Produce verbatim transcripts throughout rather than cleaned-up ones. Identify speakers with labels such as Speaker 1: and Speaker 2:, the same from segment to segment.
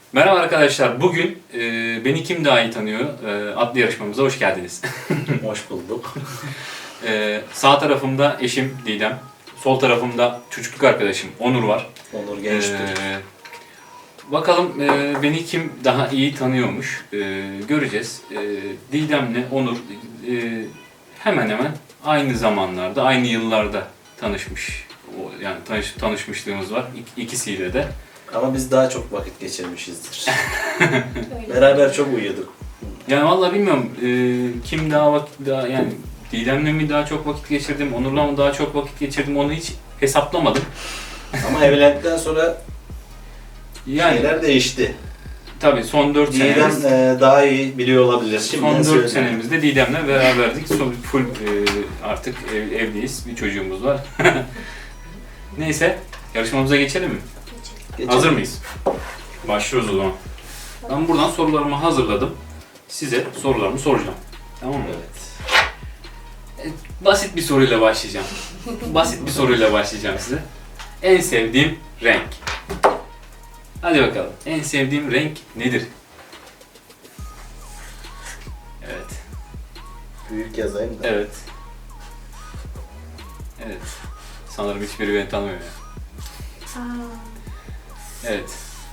Speaker 1: Merhaba arkadaşlar. Bugün e, Beni Kim Daha İyi Tanıyor e, adlı yarışmamıza hoş geldiniz.
Speaker 2: Hoş bulduk.
Speaker 1: e, sağ tarafımda eşim Didem, sol tarafımda çocukluk arkadaşım Onur var.
Speaker 2: Onur Gençtür.
Speaker 1: E, bakalım e, beni kim daha iyi tanıyormuş e, göreceğiz. E, Didem'le Onur e, hemen hemen aynı zamanlarda, aynı yıllarda tanışmış. O, yani tanış, tanışmışlığımız var İk, ikisiyle de.
Speaker 2: Ama biz daha çok vakit geçirmişizdir. Beraber çok uyuduk.
Speaker 1: Yani vallahi bilmiyorum e, kim daha vakit daha yani Didem'le mi daha çok vakit geçirdim, Onur'la mı daha çok vakit geçirdim onu hiç hesaplamadım.
Speaker 2: Ama evlendikten sonra
Speaker 1: Yani
Speaker 2: şeyler değişti.
Speaker 1: tabii son dört
Speaker 2: Didem
Speaker 1: senemiz,
Speaker 2: e, daha iyi biliyor olabilir. Şimdiden
Speaker 1: son dört
Speaker 2: söyleyeyim.
Speaker 1: senemizde Didem'le beraberdik. Son, full e, artık ev, evliyiz, bir çocuğumuz var. Neyse yarışmamıza geçelim mi?
Speaker 2: Geçelim.
Speaker 1: Hazır mıyız? Başlıyoruz o zaman. Ben buradan sorularımı hazırladım. Size sorularımı soracağım. Tamam mı?
Speaker 2: Evet.
Speaker 1: Basit bir soruyla başlayacağım. Basit bir soruyla başlayacağım size. En sevdiğim renk. Hadi bakalım. En sevdiğim renk nedir? Evet.
Speaker 2: Büyük yazayım da.
Speaker 1: Evet. Evet. Sanırım hiçbiri beni tanımıyor ya. Evet.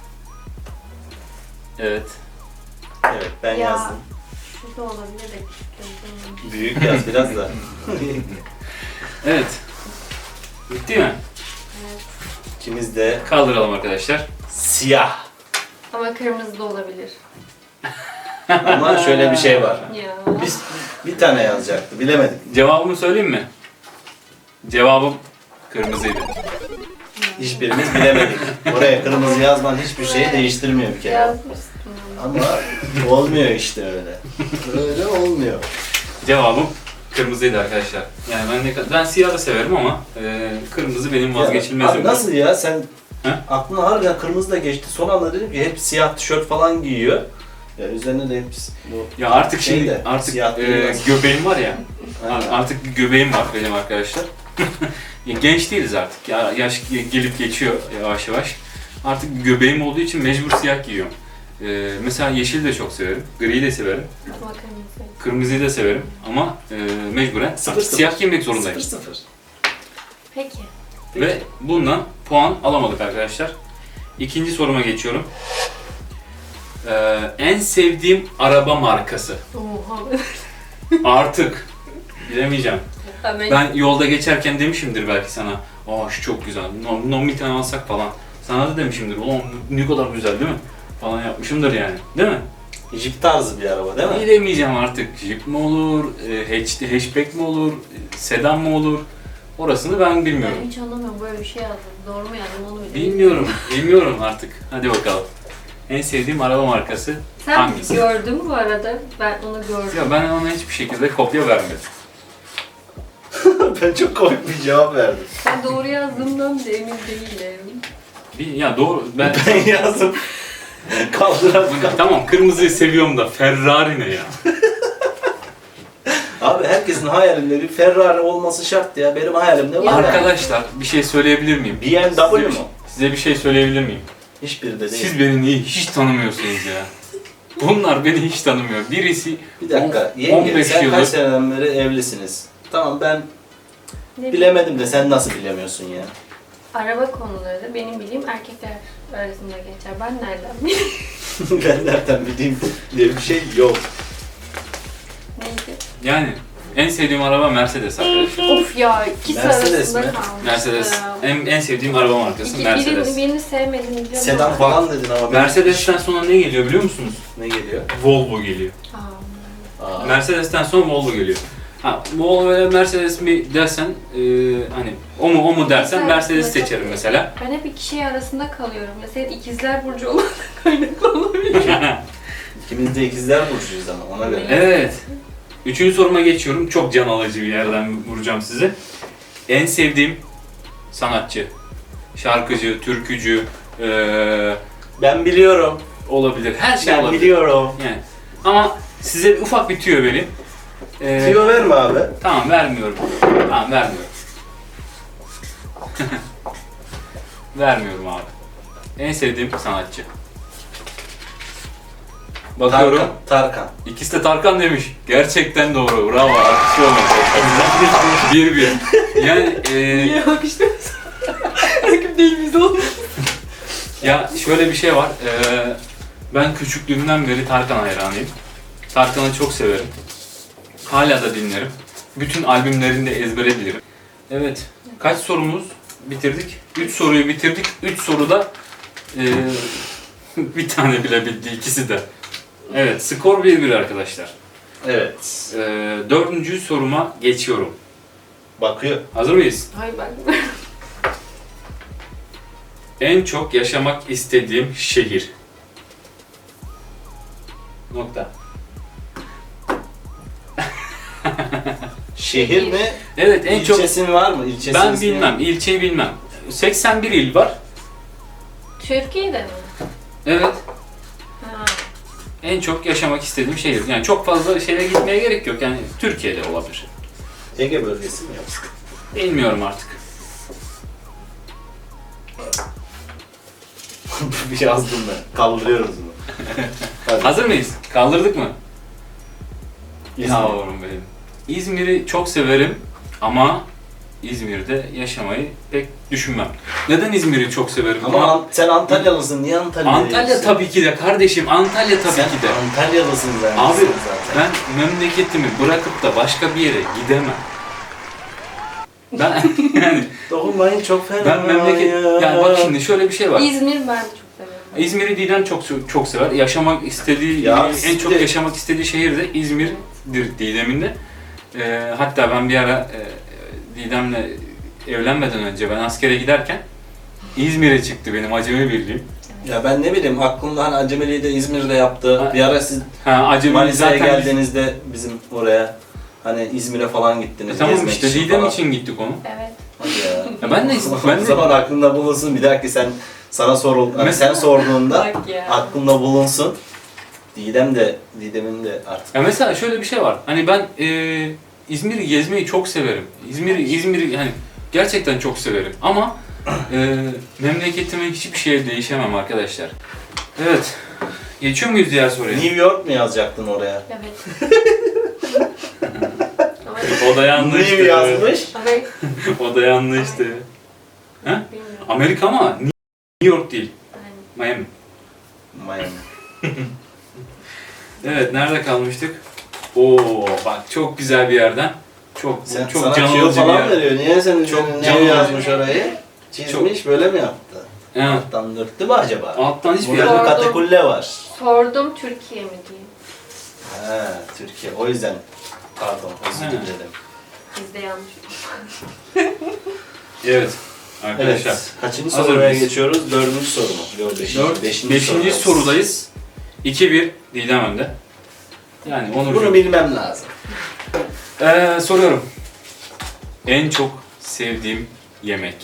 Speaker 1: Evet.
Speaker 2: Evet, ben
Speaker 3: Ya.
Speaker 2: yazdım.
Speaker 3: Şurada olabilir de küçük.
Speaker 2: Büyük yaz biraz da.
Speaker 1: Evet. Bitti mi?
Speaker 3: Evet.
Speaker 2: İkimiz de
Speaker 1: Kaldıralım arkadaşlar.
Speaker 2: siyah.
Speaker 3: Ama kırmızı da olabilir.
Speaker 2: Ama şöyle bir şey var.
Speaker 3: Ya.
Speaker 2: Biz bir tane yazacaktı, bilemedik.
Speaker 1: Cevabımı söyleyeyim mi? Cevabım kırmızıydı.
Speaker 2: Hiçbirimiz bilemedik. Oraya kırmızı yazman hiçbir şeyi değiştirmiyor bir kere.
Speaker 3: Yazmıştım.
Speaker 2: Ama olmuyor işte öyle. Öyle olmuyor.
Speaker 1: Cevabım kırmızıydı arkadaşlar. Yani ben ne kadar ben siyah da severim ama e, kırmızı benim vazgeçilmezim.
Speaker 2: Abi nasıl ya sen
Speaker 1: He?
Speaker 2: aklına harbiden kırmızı da geçti. Son anda dedim ki hep siyah tişört falan giyiyor. Ya üzerine de hep bu
Speaker 1: Ya artık
Speaker 2: Şey
Speaker 1: şimdi
Speaker 2: de,
Speaker 1: artık
Speaker 2: siyah değil
Speaker 1: e,
Speaker 2: aslında.
Speaker 1: göbeğim var ya.
Speaker 2: Aynen.
Speaker 1: Artık bir göbeğim var benim arkadaşlar. Ya genç değiliz artık. Ya yaş gelip geçiyor yavaş yavaş. Artık bir göbeğim olduğu için mecbur siyah giyiyorum. E, mesela yeşil de çok severim. Griyi de severim.
Speaker 3: Ama kırmızı.
Speaker 1: Kırmızıyı da severim ama e, mecburen
Speaker 2: Sıfır
Speaker 1: artık
Speaker 2: sıfır.
Speaker 1: siyah giymek zorundayım.
Speaker 2: Sıfır sıfır.
Speaker 3: Peki.
Speaker 1: Ve bundan puan alamadık arkadaşlar. İkinci soruma geçiyorum. Ee, en sevdiğim araba markası.
Speaker 3: Oha.
Speaker 1: Artık bilemeyeceğim.
Speaker 3: Ha, ben,
Speaker 1: Ben yolda geçerken demişimdir belki sana. Aa şu çok güzel. No, no bir tane alsak falan. Sana da demişimdir. Ulan ne kadar güzel değil mi? Falan yapmışımdır yani. Değil mi?
Speaker 2: Jeep tarzı bir araba değil mi?
Speaker 1: Bilemeyeceğim artık. Jeep mi olur? E, hatch, hatchback mi olur? e, Sedan mı olur? Orasını ben bilmiyorum.
Speaker 3: ben hiç anlamıyorum böyle bir şey yazdım. Doğru mu yazdım onu bile
Speaker 1: Bilmiyorum. Bilmiyorum artık. Hadi bakalım. En sevdiğim araba markası
Speaker 3: Sen
Speaker 1: hangisi?
Speaker 3: gördün mü bu arada? Ben onu gördüm.
Speaker 1: Ya ben ona hiçbir şekilde kopya vermedim.
Speaker 2: Ben çok komik bir cevap verdim.
Speaker 3: Ben doğru yazdığımdan da emin değilim.
Speaker 1: Bir, ya doğru. Ben
Speaker 2: Ben yazdım. Kaldıran
Speaker 1: tamam kırmızıyı seviyorum da Ferrari ne ya?
Speaker 2: Abi herkesin hayalinde bir Ferrari olması şart ya. Benim hayalimde var
Speaker 3: Ya.
Speaker 2: ya.
Speaker 1: Arkadaşlar bir şey söyleyebilir miyim?
Speaker 2: B M W
Speaker 1: Size bir-
Speaker 2: mu?
Speaker 1: Size bir şey söyleyebilir miyim?
Speaker 2: Hiçbiri de değil.
Speaker 1: Siz beni niye hiç tanımıyorsunuz ya? Bunlar beni hiç tanımıyor. Birisi
Speaker 2: Bir dakika.
Speaker 1: on-
Speaker 2: Yenge
Speaker 1: on beş
Speaker 2: sen
Speaker 1: yıldır
Speaker 2: kaç seneden beri evlisiniz? Tamam ben
Speaker 3: Ne
Speaker 2: bilemedim de sen nasıl bilemiyorsun ya?
Speaker 3: Araba konuları benim bildiğim erkekler arasında geçer. Ben nereden bileyim?
Speaker 2: Ben nereden bileyim diye bir şey yok.
Speaker 3: Neydi?
Speaker 1: yani en sevdiğim araba Mercedes arkadaşlar.
Speaker 3: Of ya ikisi
Speaker 2: Mercedes
Speaker 3: arasında
Speaker 2: mi?
Speaker 3: kalmış.
Speaker 1: Mercedes. En, en sevdiğim araba markası
Speaker 3: İki,
Speaker 1: Mercedes.
Speaker 3: birini, birini sevmedim biliyorum.
Speaker 2: Sedan
Speaker 3: ama-
Speaker 2: falan dedin ama ben-
Speaker 1: Mercedes'ten sonra ne geliyor biliyor musunuz?
Speaker 2: ne geliyor?
Speaker 1: Volvo geliyor.
Speaker 3: Aa.
Speaker 2: Aa,
Speaker 1: Mercedes'ten sonra Volvo geliyor. Ha, Volvo veya Mercedes mi dersen, e, hani o mu o mu dersen
Speaker 3: Güzel,
Speaker 1: Mercedes
Speaker 3: güzel.
Speaker 1: seçerim mesela.
Speaker 3: Ben hep iki şey arasında kalıyorum. Mesela ikizler burcu olan kaynaklı olabilir.
Speaker 2: İkimiz de ikizler burcuyuz ama ona göre.
Speaker 1: Evet. Üçüncü soruma geçiyorum. Çok can alıcı bir yerden vuracağım sizi. En sevdiğim sanatçı, şarkıcı, türkücü, e,
Speaker 2: Ben biliyorum.
Speaker 1: olabilir. Her şey
Speaker 2: Ben
Speaker 1: olabilir.
Speaker 2: biliyorum.
Speaker 1: Yani. Ama size ufak bir tüyo vereyim. E,
Speaker 2: Tüyo verme abi.
Speaker 1: Tamam vermiyorum. Tamam vermiyorum. Vermiyorum abi. En sevdiğim sanatçı. Bakıyorum.
Speaker 2: Tarkan. Tarkan.
Speaker 1: İkisi de Tarkan demiş. Gerçekten doğru. Bravo. Alkışlıyorum. bir bir. Yani e,
Speaker 3: Niye bakıştınız? Rakip değil biz oğlum.
Speaker 1: ya şöyle bir şey var. E, ben küçüklüğümden beri Tarkan hayranıyım. Tarkan'ı çok severim. Hala da dinlerim. Bütün albümlerini de ezbere bilirim. Evet. Kaç sorumuz bitirdik? üç soruyu bitirdik. üç soruda e, bir tane bilebildi ikisi de. Evet. Skor bir bir arkadaşlar.
Speaker 2: Evet.
Speaker 1: E, dördüncü soruma geçiyorum.
Speaker 2: Bakıyor.
Speaker 1: Hazır mıyız?
Speaker 3: Hayır ben.
Speaker 1: En çok yaşamak istediğim şehir. Nokta.
Speaker 2: Şehir mi?
Speaker 1: Evet en çok
Speaker 2: İlçesin var mı? İlçesi
Speaker 1: ben
Speaker 2: ismi?
Speaker 1: bilmem, ilçeyi bilmem. seksen bir il var.
Speaker 3: Türkiye'de mi?
Speaker 1: Evet.
Speaker 3: Ha.
Speaker 1: En çok yaşamak istediğim şehir. Yani çok fazla şehre gitmeye gerek yok. Yani Türkiye'de olabilir.
Speaker 2: Ege bölgesi mi yoksa?
Speaker 1: Bilmiyorum artık.
Speaker 2: Bir yazdım ben. Kaldırıyoruz bunu. Hadi.
Speaker 1: Hazır mıyız? Kaldırdık mı?
Speaker 2: İzmir.
Speaker 1: Yavrum benim. İzmir'i çok severim ama İzmir'de yaşamayı pek düşünmem. Neden İzmir'i çok severim?
Speaker 2: Ama An- sen Antalyalısın. Niye Antalya'ya
Speaker 1: Antalya
Speaker 2: gidiyorsun?
Speaker 1: tabii ki de kardeşim. Antalya tabii
Speaker 2: Sen
Speaker 1: ki de.
Speaker 2: Antalyalısın zaten.
Speaker 1: Abi
Speaker 2: zaten.
Speaker 1: ben memleketimi bırakıp da başka bir yere gidemem. Ben yani
Speaker 2: Dokunmayın çok fena
Speaker 1: ben memleket
Speaker 2: ya.
Speaker 1: yani bak şimdi şöyle bir şey var.
Speaker 3: İzmir ben de çok seviyorum.
Speaker 1: İzmir'i Didem çok çok sever. Yaşamak istediği
Speaker 2: Ya
Speaker 1: en
Speaker 2: siz
Speaker 1: çok
Speaker 2: de-
Speaker 1: yaşamak istediği şehir de İzmir'dir Didem'in de. Ee, hatta ben bir ara e, Didem'le evlenmeden önce ben askere giderken İzmir'e çıktı benim Acemi Birliğim.
Speaker 2: Ya ben ne bileyim aklımda hani Acemili'yi de İzmir'de yaptı.
Speaker 1: Ha.
Speaker 2: Bir ara siz
Speaker 1: Ha Acemi
Speaker 2: Manisa'ya
Speaker 1: zaten
Speaker 2: geldiğinizde bizim oraya hani İzmir'e falan gittiniz.
Speaker 1: E, tamam
Speaker 2: gezmek
Speaker 1: işte
Speaker 2: için
Speaker 1: Didem
Speaker 2: falan.
Speaker 1: için gittik onu.
Speaker 3: Evet.
Speaker 2: Hadi ya.
Speaker 1: Ya ben de ben
Speaker 2: O
Speaker 1: de
Speaker 2: zaman aklında bulunsun. Bir dahaki sen sana sorul, hani sen sorduğunda
Speaker 3: Bak ya.
Speaker 2: aklında bulunsun. Didem de, Didem'in de artık.
Speaker 1: ya mesela şöyle bir şey var. Hani ben e, İzmir'i gezmeyi çok severim. İzmir'i İzmir'i hani gerçekten çok severim. Ama e, memleketime hiçbir şeye değişemem arkadaşlar. Evet. Geçiyor muyuz diğer soruya?
Speaker 2: New York mu yazacaktın oraya?
Speaker 3: Evet. Ama
Speaker 1: O da yanlıştı.
Speaker 2: New yazmış.
Speaker 3: evet.
Speaker 1: O da yanlıştı. Ha?
Speaker 3: Bilmiyorum.
Speaker 1: Amerika ama New York değil.
Speaker 3: Yani.
Speaker 1: Miami.
Speaker 2: Miami.
Speaker 1: Evet, nerede kalmıştık? Oo, bak çok güzel bir yerden. Çok
Speaker 2: Sen,
Speaker 1: çok
Speaker 2: sana
Speaker 1: can
Speaker 2: tüyo
Speaker 1: alıcı bir
Speaker 2: falan
Speaker 1: yer.
Speaker 2: veriyor. Niye sen
Speaker 1: Çok
Speaker 2: çok
Speaker 1: can
Speaker 2: ne
Speaker 1: alıcı.
Speaker 2: yazmış orayı? Çizmiş böyle mi yaptı?
Speaker 1: Evet.
Speaker 2: Alttan döktü mü acaba?
Speaker 1: Alttan hiçbir
Speaker 2: Burada
Speaker 1: yer.
Speaker 2: bir
Speaker 3: Pardon.
Speaker 2: katakulle var.
Speaker 3: Sordum Türkiye mi diye.
Speaker 2: Ha, Türkiye. O yüzden pardon, özür
Speaker 1: Ha.
Speaker 2: dilerim.
Speaker 3: Bizde yanlış.
Speaker 1: Evet. Arkadaşlar.
Speaker 2: Evet. Kaçıncı
Speaker 1: Hazır
Speaker 2: soruya
Speaker 1: mıyız?
Speaker 2: geçiyoruz? Dördüncü soru mu? Yok, beşinci.
Speaker 1: Dört,
Speaker 2: beşinci,
Speaker 1: beşinci
Speaker 2: sorudayız.
Speaker 1: sorudayız. iki bir Didem önde. Yani Onur.
Speaker 2: Bunu bilmem lazım.
Speaker 1: Ee, soruyorum. En çok sevdiğim yemek.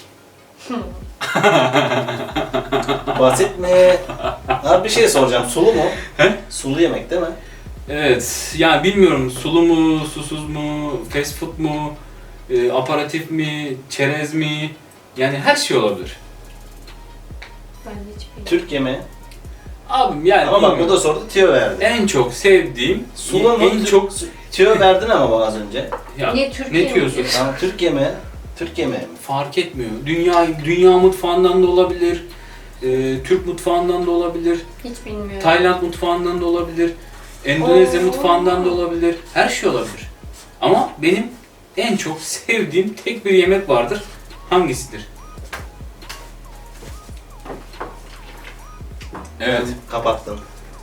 Speaker 2: Basit mi? Abi bir şey soracağım. Sulu mu?
Speaker 1: He?
Speaker 2: Sulu yemek değil mi?
Speaker 1: Evet. Yani bilmiyorum sulu mu, susuz mu, fast food mu, e, aparatif mi, çerez mi? Yani her şey olabilir.
Speaker 3: Ben de hiç bilmiyorum.
Speaker 2: Türk yemeği.
Speaker 1: Abim yani
Speaker 2: Ama bak bu
Speaker 1: bilmiyorum.
Speaker 2: da sordu, tüyo verdi.
Speaker 1: En çok sevdiğim,
Speaker 2: Sulu mu?
Speaker 1: en çok...
Speaker 2: Tüyo verdin ama bana az önce.
Speaker 1: Ya,
Speaker 3: Niye Türkiye
Speaker 1: ne
Speaker 3: mi?
Speaker 1: diyorsun?
Speaker 2: Tamam, Türk yemeği. Türk yemeği mi?
Speaker 1: Fark etmiyor. Dünya dünya mutfağından da olabilir. e, Türk mutfağından da olabilir.
Speaker 3: Hiç bilmiyorum.
Speaker 1: Tayland mutfağından da olabilir. Endonezya
Speaker 3: Oo.
Speaker 1: mutfağından da olabilir. Her şey olabilir. Ama benim en çok sevdiğim tek bir yemek vardır. Hangisidir? Evet.
Speaker 2: Kapattın.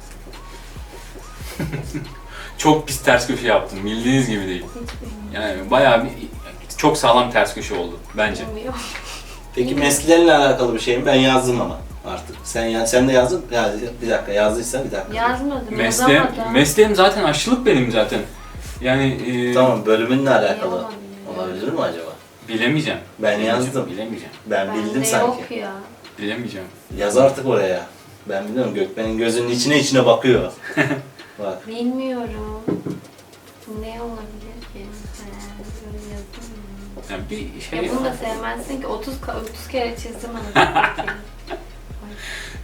Speaker 1: Çok pis ters köşe yaptım. Bildiğiniz gibi değil.
Speaker 3: Hiç bilmiyorum.
Speaker 1: Yani bayağı bir çok sağlam ters köşe oldu bence.
Speaker 3: Bilmiyorum.
Speaker 2: Peki mesleğinle alakalı bir şey mi? Ben yazdım ama artık. Sen ya sen de yazdın. Ya bir dakika yazdıysan bir dakika.
Speaker 3: Yazmadım.
Speaker 1: Mesleğim,
Speaker 3: yazamadım.
Speaker 1: mesleğim zaten aşçılık benim zaten. Yani e,
Speaker 2: Tamam, bölümünle alakalı
Speaker 3: Olabilir.
Speaker 2: olabilir mi acaba?
Speaker 1: bilemeyeceğim.
Speaker 2: Ben
Speaker 1: Bilemeyeceğim,
Speaker 2: yazdım.
Speaker 1: Bilemeyeceğim.
Speaker 2: Ben
Speaker 3: Bende
Speaker 2: bildim sanki.
Speaker 3: yok ya.
Speaker 1: Bilemeyeceğim.
Speaker 2: Yaz artık oraya. Ben biliyorum, Gökmen'in gözünün içine içine bakıyor. Bak.
Speaker 3: Bilmiyorum. Ne olabilir ki? He, böyle yazdım mı?
Speaker 1: Yani bir şey
Speaker 3: Ya bunu da sevmezsin ki otuz ka- otuz kere çizdim anasını satayım.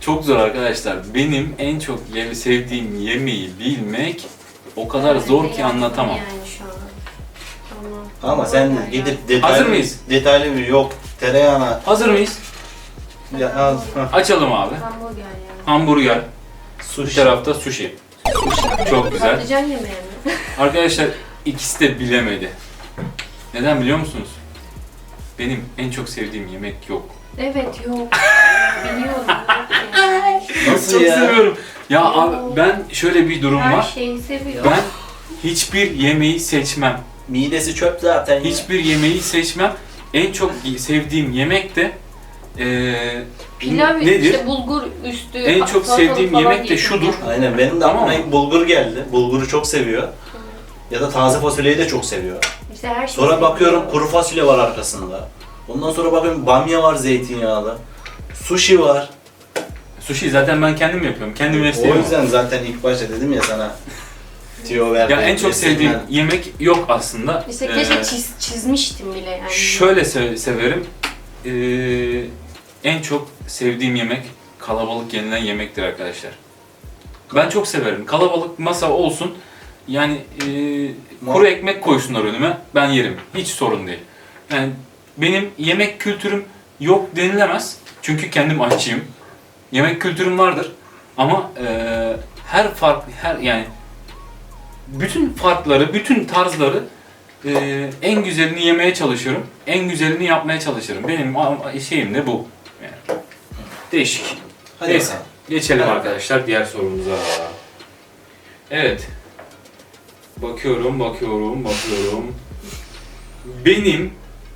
Speaker 1: Çok zor arkadaşlar. Benim en çok yeme sevdiğim yemeği bilmek o kadar
Speaker 3: Ben
Speaker 1: zor
Speaker 3: de
Speaker 1: ki
Speaker 3: yaptım
Speaker 1: anlatamam.
Speaker 3: Yani şu an. Ama,
Speaker 2: Ama sen gidip detaylı,
Speaker 1: Hazır mıyız?
Speaker 2: detaylı bir yok tereyağına
Speaker 1: Hazır mıyız?
Speaker 2: ya, az, hah,
Speaker 1: Açalım abi.
Speaker 3: Hamburger yani.
Speaker 1: Hamburger, bir
Speaker 2: sushi.
Speaker 1: tarafta sushi. Çok güzel.
Speaker 3: Patlıcan yemeği mi?
Speaker 1: Arkadaşlar ikisi de bilemedi. Neden biliyor musunuz? Benim en çok sevdiğim yemek yok.
Speaker 3: Evet yok. Biliyorum. Yok yani.
Speaker 2: Nasıl
Speaker 1: Çok
Speaker 2: ya?
Speaker 1: seviyorum. Ya
Speaker 3: Yok.
Speaker 1: abi ben şöyle bir durum
Speaker 3: Her
Speaker 1: var.
Speaker 3: şeyi seviyor.
Speaker 1: Ben hiçbir yemeği seçmem.
Speaker 2: Midesi çöp zaten ya.
Speaker 1: Hiçbir yemeği seçmem. En çok sevdiğim yemek de eee
Speaker 3: Pilav
Speaker 1: nedir?
Speaker 3: işte bulgur üstü.
Speaker 1: En çok
Speaker 3: salatalık
Speaker 1: sevdiğim
Speaker 3: falan
Speaker 1: yemek de
Speaker 3: yedim
Speaker 1: şudur.
Speaker 3: yani.
Speaker 2: Aynen benim de
Speaker 1: Tamam
Speaker 2: aklıma
Speaker 1: mı?
Speaker 2: ilk bulgur geldi. Bulguru çok seviyor. Ya da taze fasulyeyi de çok seviyor.
Speaker 3: İşte her şeyi
Speaker 2: Sonra
Speaker 3: seviyor.
Speaker 2: bakıyorum kuru fasulye var arkasında. Ondan sonra bakıyorum bamya var zeytinyağlı. Sushi var.
Speaker 1: Sushi zaten ben kendim yapıyorum. Kendi
Speaker 2: O
Speaker 1: mesleğim. o.
Speaker 2: yüzden zaten ilk başta dedim ya sana tüyo ver.
Speaker 1: Ya en çok sevdiğim yemek yok aslında.
Speaker 3: İşte
Speaker 1: Eee,
Speaker 3: keşke çiz, çizmiştim bile yani.
Speaker 1: Şöyle se- severim. Eee, en çok sevdiğim yemek kalabalık yenilen yemektir arkadaşlar. Ben çok severim. Kalabalık masa olsun. Yani eee, kuru ekmek koysunlar önüme. Ben yerim. Hiç sorun değil. Yani benim yemek kültürüm yok denilemez. Çünkü kendim aşçıyım. Yemek kültürüm vardır. Ama eee, her fark her yani bütün farkları, bütün tarzları Ee, en güzelini yemeye çalışıyorum. En güzelini yapmaya çalışırım. Benim a- şeyim de bu. Yani. Değişik.
Speaker 2: Hadi
Speaker 1: Neyse.
Speaker 2: bakalım.
Speaker 1: Geçelim
Speaker 2: Hadi.
Speaker 1: arkadaşlar diğer sorumuza. Evet. Bakıyorum, bakıyorum, bakıyorum. Benim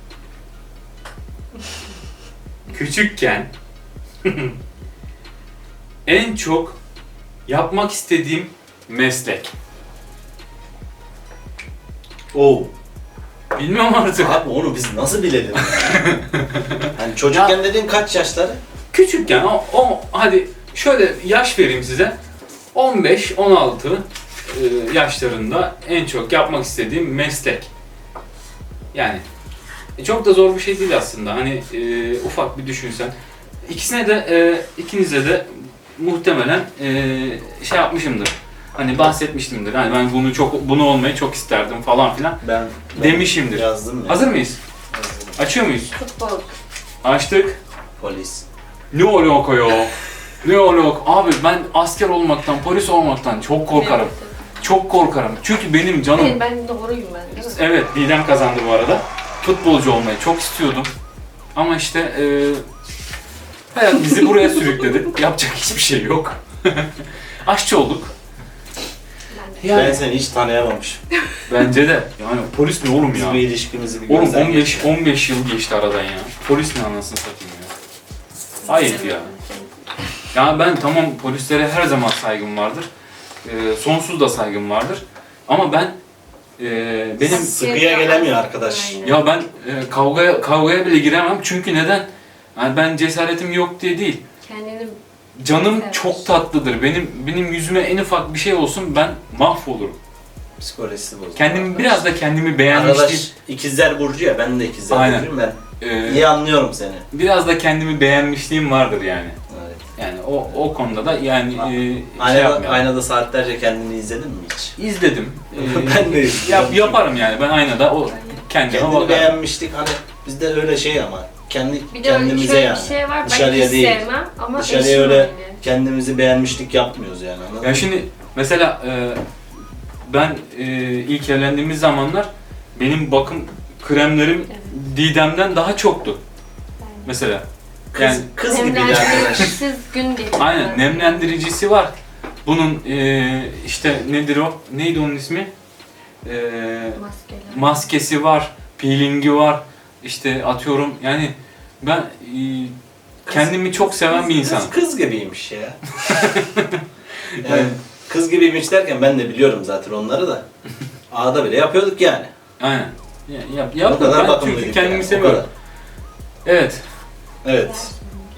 Speaker 1: küçükken en çok yapmak istediğim meslek.
Speaker 2: Oo.
Speaker 1: Bilmiyorum artık.
Speaker 2: Abi onu biz nasıl bilelim ya? Hani çocukken dediğin kaç yaşları?
Speaker 1: Küçükken o, o hadi şöyle yaş vereyim size. on beş on altı e, yaşlarında en çok yapmak istediğim meslek. Yani e, çok da zor bir şey değil aslında. Hani e, ufak bir düşünsen. İkisine de e, ikinize de muhtemelen e, şey yapmışımdır. Hani bahsetmiştimdir. Hani ben bunu çok bunu olmayı çok isterdim falan filan
Speaker 2: Ben, ben
Speaker 1: demişimdir.
Speaker 2: yazdım ya.
Speaker 1: Hazır mıyız?
Speaker 2: Hazırım.
Speaker 1: Açıyor muyuz?
Speaker 3: Futbol.
Speaker 1: Açtık.
Speaker 2: Polis.
Speaker 1: Ne alaka ya? Ne alaka? Abi ben asker olmaktan, polis olmaktan çok korkarım. Çok korkarım. Çünkü benim canım...
Speaker 3: Evet, ben doğruyum ben değil mi?
Speaker 1: Evet, Didem kazandı bu arada. Futbolcu olmayı çok istiyordum. Ama işte e, hayat bizi buraya sürükledi. Yapacak hiçbir şey yok. Aşçı olduk.
Speaker 3: Ben de.
Speaker 1: Yani
Speaker 2: Ben seni hiç tanıyamamışım.
Speaker 1: bence de. Yani polis ne oğlum
Speaker 2: Biz
Speaker 1: ya?
Speaker 2: bir ilişkimizi bir
Speaker 1: Oğlum
Speaker 2: gözden
Speaker 1: on beş
Speaker 2: geçirelim.
Speaker 1: on beş yıl geçti aradan ya. Polis ne anasını satayım ya. Ayıp ya. Ya ben tamam polislere her zaman saygım vardır. Ee, sonsuz da saygım vardır. Ama ben e, benim
Speaker 2: Sıkıya gelemiyor arkadaş.
Speaker 3: Aynen.
Speaker 1: ya ben e, kavgaya kavgaya bile giremem çünkü neden? Yani ben cesaretim yok diye değil.
Speaker 3: Kendini
Speaker 1: Canım
Speaker 3: Evet.
Speaker 1: çok tatlıdır. Benim benim yüzüme en ufak bir şey olsun ben mahvolurum.
Speaker 2: Psikolojisi bozuldu.
Speaker 1: Kendimi biraz da kendimi beğenmişliğim.
Speaker 2: Arkadaş ikizler burcu ya, ben de ikizler
Speaker 1: Aynen.
Speaker 2: burcuyum, ben
Speaker 1: e,
Speaker 2: iyi anlıyorum seni.
Speaker 1: biraz da kendimi beğenmişliğim vardır yani.
Speaker 2: Evet.
Speaker 1: Yani o o konuda da yani e, şey
Speaker 2: Aynada,
Speaker 1: yapmıyorum.
Speaker 2: aynada saatlerce kendini izledin mi hiç?
Speaker 1: İzledim. Ee,
Speaker 2: Ben de izledim.
Speaker 1: Yap, yaparım yani ben aynada o kendime
Speaker 2: Kendini
Speaker 1: bakarım.
Speaker 2: beğenmiştik hani bizde öyle şey ama kendi
Speaker 3: bir de öyle
Speaker 2: kendimize
Speaker 3: şöyle
Speaker 2: yani.
Speaker 3: bir şey var. Ben
Speaker 2: Dışarıya
Speaker 3: hiç
Speaker 2: değil.
Speaker 3: sevmem ama
Speaker 2: Dışarıya
Speaker 3: eşim
Speaker 2: öyle
Speaker 3: öyle.
Speaker 2: kendimizi beğenmişlik yapmıyoruz yani. Anladın
Speaker 1: Ya
Speaker 2: mı?
Speaker 1: şimdi mesela e, ben e, ilk evlendiğimiz zamanlar benim bakım kremlerim
Speaker 3: Evet.
Speaker 1: Didem'den daha çoktu
Speaker 3: Yani.
Speaker 1: mesela.
Speaker 2: Kız,
Speaker 1: Yani
Speaker 2: kız gibi bir arkadaş.
Speaker 3: Nemlendiricisiz gün değil.
Speaker 1: aynen nemlendiricisi var. Bunun e, işte nedir o? Neydi onun ismi? E,
Speaker 3: Maskeler.
Speaker 1: maskesi var, peelingi var. İşte atıyorum yani ben e, kendimi çok seven bir insanım.
Speaker 2: Kız, kız gibiymiş ya. Yani kız gibiymiş derken ben de biliyorum zaten onları da. Ağda bile yapıyorduk yani.
Speaker 1: Aynen. Ya, yap,
Speaker 2: O
Speaker 1: yap,
Speaker 2: kadar
Speaker 1: ben
Speaker 2: bakımlıydık
Speaker 1: çünkü kendimi
Speaker 2: yani, o
Speaker 1: seviyorum.
Speaker 2: kadar.
Speaker 1: Evet.
Speaker 2: Evet.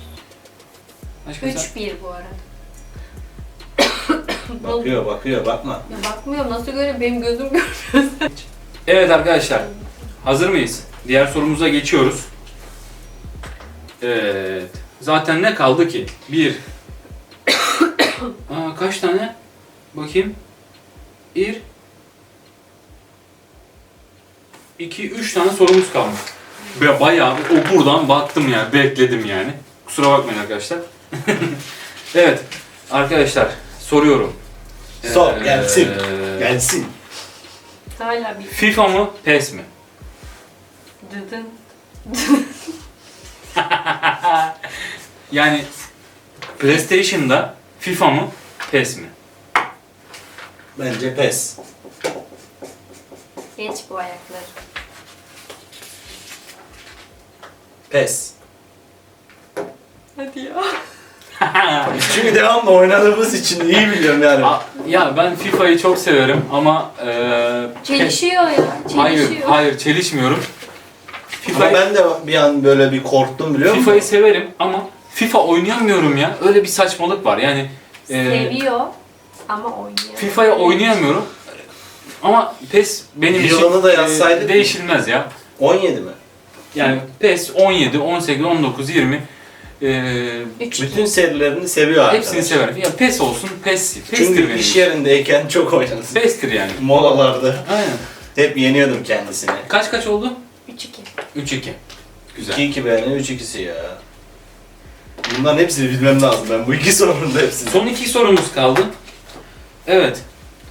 Speaker 1: Başka sen-
Speaker 3: üç bir bu arada.
Speaker 2: Bakıyor bakıyor bakma.
Speaker 3: Ya bakmıyorum nasıl görüyor benim gözüm görmüyor.
Speaker 1: Evet arkadaşlar. Hazır mıyız? Diğer sorumuza geçiyoruz. Evet. Zaten ne kaldı ki? bir, kaç tane? Bakayım. Bir, iki, üç tane sorumuz kalmış. Ba- Bayağı bir- o buradan baktım yani, bekledim yani. Kusura bakmayın arkadaşlar. Evet, arkadaşlar soruyorum.
Speaker 2: Sor,
Speaker 1: Ee,
Speaker 2: gelsin. Gelsin.
Speaker 3: Hala bir
Speaker 1: FIFA mı, PES mi?
Speaker 3: dıdın.
Speaker 1: Yani PlayStation'da FIFA mı, PES mi?
Speaker 2: Bence pes.
Speaker 3: Geç bu ayakları.
Speaker 2: Pes.
Speaker 3: Hadi ya.
Speaker 2: Çünkü devamlı oynadığımız için iyi biliyorum yani.
Speaker 1: A- ya ben FIFA'yı çok severim ama e,
Speaker 3: Çelişiyor ya. Çelişiyor.
Speaker 1: hayır, hayır çelişmiyorum.
Speaker 2: Ama
Speaker 1: FIFA'yı
Speaker 2: ben de bir an böyle bir korktum biliyor musun?
Speaker 1: FIFA'yı severim ama FIFA oynayamıyorum ya. Öyle bir saçmalık var. Yani e,
Speaker 3: Seviyor ama oynuyor.
Speaker 1: FIFA'yı oynayamıyorum. Ama PES benim için
Speaker 2: Yılını da
Speaker 1: e,
Speaker 2: yazsaydık.
Speaker 1: değişilmez ya.
Speaker 2: on yedi mi?
Speaker 1: Yani PES on yedi, on sekiz, on dokuz, yirmi e,
Speaker 3: Üç.
Speaker 2: Bütün serilerini seviyor arkadaş.
Speaker 1: hepsini severim. Ya PES olsun, PES. PES'tir
Speaker 2: Çünkü
Speaker 1: benim
Speaker 2: iş
Speaker 1: için.
Speaker 2: yerindeyken çok oynadım.
Speaker 1: PES'tir yani.
Speaker 2: Molalarda
Speaker 1: Aynen.
Speaker 2: hep yeniyordum kendisini.
Speaker 1: Kaç kaç oldu?
Speaker 3: üç iki.
Speaker 1: üç iki. Güzel.
Speaker 2: iki iki benim, üç ikisi ya. Bunların hepsini bilmem lazım ben. Bu iki sorunun da hepsini.
Speaker 1: Son iki sorumuz kaldı. Evet.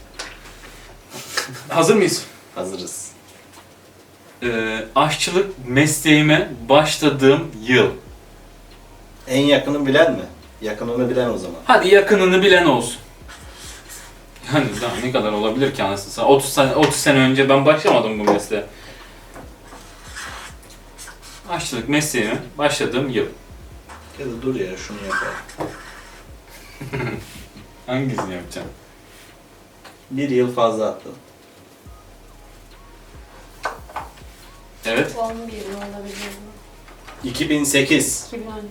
Speaker 1: Hazır mıyız?
Speaker 2: Hazırız.
Speaker 1: Ee, aşçılık mesleğime başladığım yıl.
Speaker 2: En yakını bilen mi? Yakınını bilen o zaman.
Speaker 1: Hadi yakınını bilen olsun. Yani daha ne kadar olabilir ki anasını satayım? otuz sene, otuz sene önce ben başlamadım bu mesleğe. Aşçılık mesleğime başladığım yıl.
Speaker 2: Ya da dur ya şunu yapalım.
Speaker 1: Hangisini yapacağım?
Speaker 2: Bir yıl fazla attım.
Speaker 1: Evet.
Speaker 3: on bir mi olabilir mi?
Speaker 2: iki bin sekiz.
Speaker 3: iki bin on üç.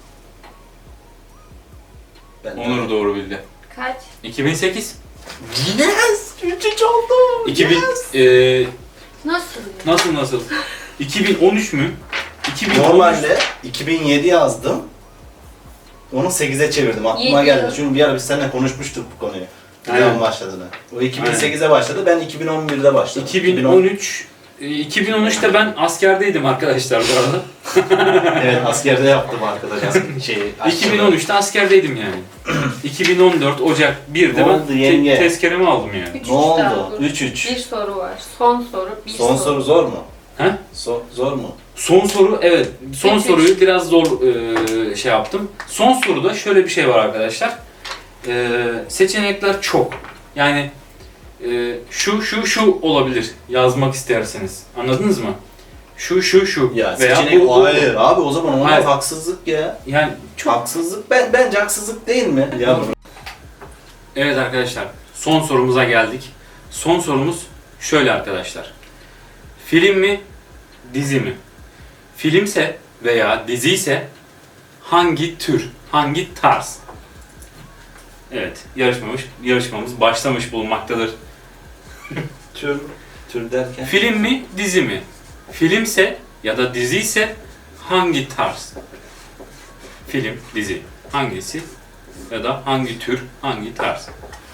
Speaker 2: Ben
Speaker 1: Onur doğru bildi.
Speaker 3: Kaç?
Speaker 1: iki bin sekiz.
Speaker 2: Yes! üç üç oldu.
Speaker 1: iki bin
Speaker 2: Yes!
Speaker 1: eee
Speaker 3: Nasıl?
Speaker 1: nasıl nasıl? iki bin on üç mü? iki bin on üç.
Speaker 2: Normalde iki bin yedi yazdım. Onu sekize çevirdim. Aklıma
Speaker 3: Yedi
Speaker 2: geldi.
Speaker 3: yıl.
Speaker 2: Çünkü bir ara biz seninle konuşmuştuk bu konuyu. Ne
Speaker 1: Aynen.
Speaker 2: zaman başladığını. O iki bin sekize başladı. Ben iki bin on birde başladım.
Speaker 1: iki bin on üç e, iki bin on üçte ben askerdeydim arkadaşlar bu arada.
Speaker 2: Evet askerde yaptım arkadaş asker şeyi.
Speaker 1: iki bin on üçte askerdeydim yani. iki bin on dört Ocak birde
Speaker 2: Ne
Speaker 1: ben
Speaker 2: oldu
Speaker 1: te-
Speaker 2: yenge?
Speaker 1: tezkeremi aldım yani.
Speaker 3: üç üç
Speaker 2: Ne oldu?
Speaker 3: daha dur.
Speaker 2: üç üç.
Speaker 3: Bir soru var. Son soru. Bir
Speaker 2: Son soru zor mu?
Speaker 1: He?
Speaker 2: So- zor mu?
Speaker 1: Son soru evet. Son
Speaker 3: Üç, üç.
Speaker 1: soruyu biraz zor e, şey yaptım. Son soruda şöyle bir şey var arkadaşlar. E, seçenekler çok. Yani e, şu şu şu olabilir yazmak isterseniz. Anladınız mı? Şu şu şu
Speaker 2: Ya
Speaker 1: veya
Speaker 2: seçenek
Speaker 1: bu, bu.
Speaker 2: hayır abi o zaman onlar
Speaker 1: Hayır.
Speaker 2: haksızlık ya.
Speaker 1: Yani çok.
Speaker 2: Haksızlık ben bence haksızlık değil mi? Ya
Speaker 1: Evet arkadaşlar, son sorumuza geldik. Son sorumuz şöyle arkadaşlar. Film mi, dizi mi? Filmse veya dizi ise hangi tür, hangi tarz? Evet, yarışmamız, yarışmamız başlamış bulunmaktadır.
Speaker 2: tür tür derken
Speaker 1: Film mi, dizi mi? Filmse ya da dizi ise hangi tarz? Film, dizi. Hangisi ya da hangi tür, hangi tarz?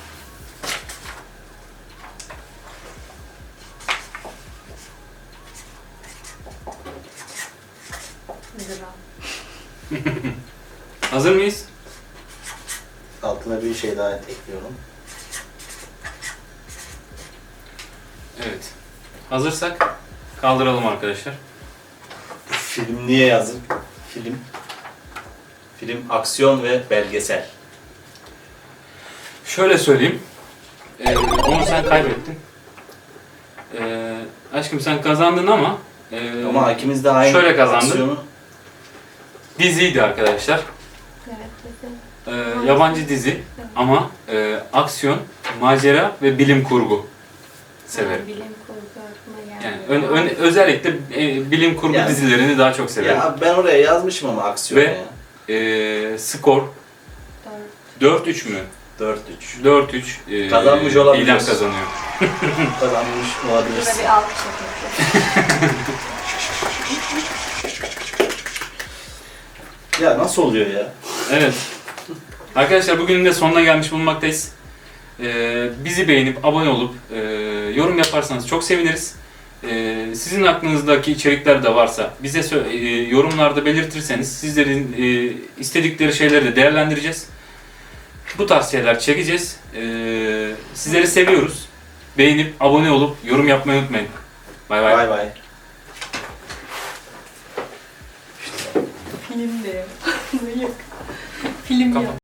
Speaker 3: Gram.
Speaker 1: Hazır mıyız?
Speaker 2: altına bir şey daha ekliyorum.
Speaker 1: Evet. Hazırsak kaldıralım arkadaşlar.
Speaker 2: Film niye yazdık? Film film aksiyon ve belgesel.
Speaker 1: Şöyle söyleyeyim. Ee, onu sen kaybettin. Ee, aşkım sen kazandın ama e,
Speaker 2: Ama ikimiz de aynı
Speaker 1: şöyle kazandı.
Speaker 2: aksiyonu.
Speaker 1: diziydi arkadaşlar.
Speaker 3: Evet. dedim.
Speaker 1: Ee, yabancı dizi ama e, aksiyon, macera ve bilim kurgu severim.
Speaker 3: Bilim kurgu aklıma geldi.
Speaker 1: Yani ön- ön- özellikle e, bilim kurgu
Speaker 2: Yani-
Speaker 1: dizilerini daha çok severim.
Speaker 2: Ya ben oraya yazmışım ama aksiyon
Speaker 1: Ve-
Speaker 2: ya.
Speaker 1: Ee, skor
Speaker 3: Dört.
Speaker 1: dört üç mü?
Speaker 2: dört üç.
Speaker 1: dört üç. E,
Speaker 2: Kazanmış olabiliriz.
Speaker 1: İdem kazanıyor.
Speaker 2: Kazanmış
Speaker 3: Burada
Speaker 2: olabilirsin.
Speaker 3: bir alkış yapıyoruz.
Speaker 2: Ya nasıl oluyor ya?
Speaker 1: Evet. Arkadaşlar bugünün de sonuna gelmiş bulunmaktayız. Ee, bizi beğenip abone olup e, yorum yaparsanız çok seviniriz. Ee, sizin aklınızdaki içerikler de varsa bize sö- e, yorumlarda belirtirseniz sizlerin e, istedikleri şeyleri de değerlendireceğiz. Bu tarz şeyler çekeceğiz. Ee, sizleri seviyoruz. Beğenip abone olup yorum yapmayı unutmayın. Bay bay.
Speaker 2: Bay bay.
Speaker 3: Film de ya. Yok. Film
Speaker 1: Kapat.
Speaker 3: ya.